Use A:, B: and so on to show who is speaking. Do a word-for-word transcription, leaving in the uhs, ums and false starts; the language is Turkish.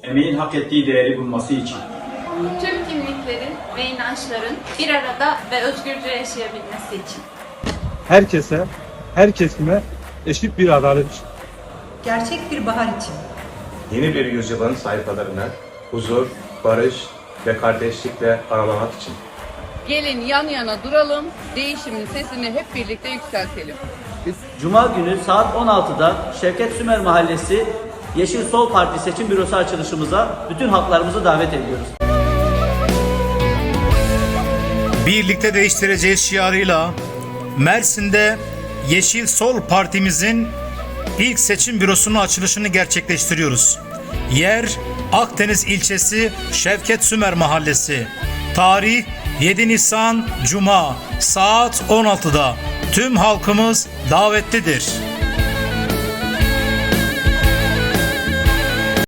A: emeğin hak ettiği değeri bulması için.
B: Tüm kimliklerin ve inançların bir arada ve özgürce yaşayabilmesi için.
C: Herkese, her kesime eşit bir adalet için.
D: Gerçek bir bahar için.
E: Yeni bir yüzyılın sayfalarını huzur, barış ve kardeşlikle aralamak için.
F: Gelin yan yana duralım, değişimin sesini hep birlikte yükseltelim.
G: Cuma günü saat on altıda Şevket Sümer Mahallesi Yeşil Sol Parti seçim bürosu açılışımıza bütün halklarımızı davet ediyoruz.
H: Birlikte değiştireceğiz şiarıyla Mersin'de Yeşil Sol Partimizin ilk seçim bürosunun açılışını gerçekleştiriyoruz. Yer Akdeniz ilçesi Şevket Sümer Mahallesi. Tarih yedi Nisan Cuma saat on altıda. Tüm halkımız davetlidir.